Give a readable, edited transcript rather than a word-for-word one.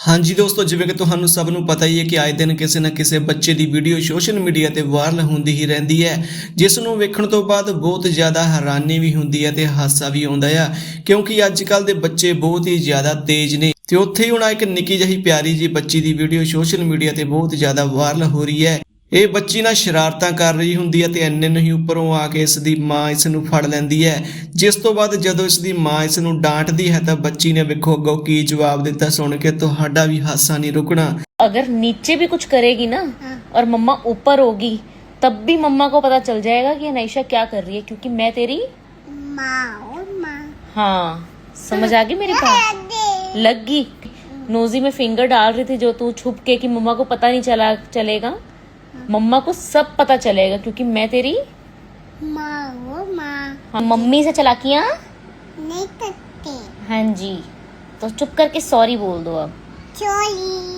हाँ जी दोस्तों, जिवें कि तुहानू सब नू पता ही है कि आए दिन किसी ना किसी बच्चे की वीडियो सोशल मीडिया ते वायरल होंदी ही रहंदी है, जिस नू वेखण तो बाद बहुत ज़्यादा हैरानी भी हुंदी है ते हासा भी आउंदा है, क्योंकि अजकल दे बच्चे बहुत ही ज़्यादा तेज ने। ते उत्थे ही हुण एक निक्की जही प्यारी जी बच्ची की वीडियो सोशल मीडिया ते बहुत ज़्यादा वायरल हो रही है। ਇਹ ਬੱਚੀ ਨਾ ਸ਼ਰਾਰਤਾਂ ਕਰ ਰਹੀ ਹੁੰਦੀ ਹੈ ਤੇ ਇੰਨੇ ਨਹੀਂ ਉੱਪਰੋਂ ਆ ਕੇ ਇਸ ਦੀ ਮਾਂ ਇਸ ਨੂੰ ਫੜ ਲੈਂਦੀ ਹੈ, ਜਿਸ ਤੋਂ ਬਾਅਦ ਜਦੋਂ ਇਸ ਦੀ ਮਾਂ ਇਸ ਨੂੰ ਡਾਂਟਦੀ ਹੈ ਤਾਂ ਬੱਚੀ ਨੇ ਵੇਖੋ ਅੱਗੋਂ ਕੀ ਜਵਾਬ ਦਿੱਤਾ, ਸੁਣ ਕੇ ਤੁਹਾਡਾ ਵੀ ਹਾਸਾ नहीं रुकना। अगर नीचे भी कुछ करेगी ना और मम्मा ऊपर होगी तब भी मम्मा को पता चल जाएगा कि अनायशा क्या कर रही है, क्योंकि मैं तेरी माँ। हाँ, समझ आ गई मेरी बात? लग गई। नोजी में फिंगर डाल रही थी जो तू छुप के कि मम्मा को पता नहीं चलेगा। मम्मा को सब पता चलेगा क्योंकि मैं तेरी माँ। हाँ, मम्मी से चलाकियाँ नहीं करते। हाँ जी, तो चुप करके सॉरी बोल दो अब। सॉरी।